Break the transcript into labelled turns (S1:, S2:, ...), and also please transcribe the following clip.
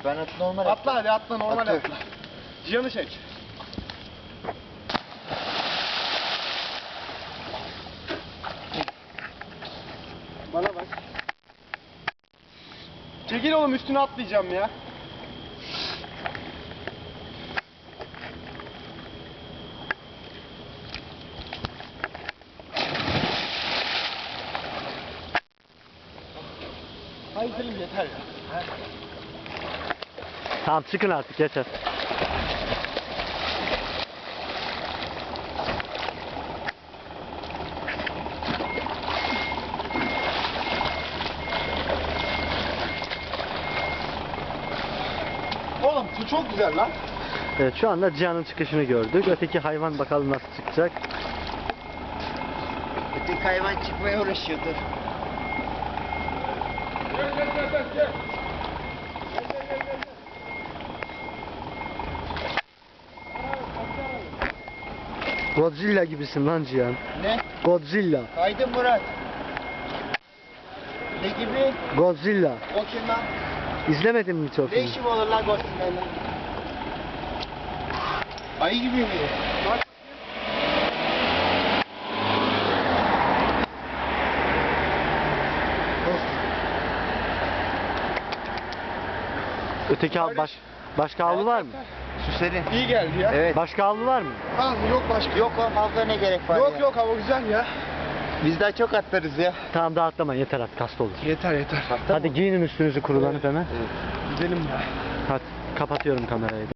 S1: Ben normal
S2: Atla hadi atla normal
S1: Atla.
S2: atla. Cihan'ı çek. Bana bak. Çekil oğlum üstüne atlayacağım ya. Hayır Selim yeter ya.
S3: Tamam çıkın artık yeter.
S2: Oğlum su çok güzel lan.
S3: Evet şu anda Cihan'ın çıkışını gördük. Öteki hayvan bakalım nasıl çıkacak.
S1: Öteki hayvan çıkmaya uğraşıyordur.
S3: Godzilla gibisin lan Cihan.
S1: Ne?
S3: Godzilla.
S1: Kaydın Murat. Ne gibi?
S3: Godzilla.
S1: O kim lan?
S3: İzlemedin mi çok?
S1: Ne işim olur lan Godzilla'yla? Ayı gibi mi?
S2: Bak.
S3: Öteki başka havlu var mı?
S1: Su serin.
S2: İyi geldi ya.
S1: Evet.
S3: Başka havlu var mı?
S2: Al yok başka.
S1: Yok oğlum havluya ne gerek var
S2: Yok
S1: ya?
S2: yok hava güzel ya.
S1: Biz daha çok atlarız ya.
S3: Tamam daha atlamayın yeter artık hasta olur.
S2: Yeter yeter.
S3: Hadi giyinin üstünüzü kurulanıp hemen.
S2: Gidelim ya.
S3: Hadi kapatıyorum kamerayı da.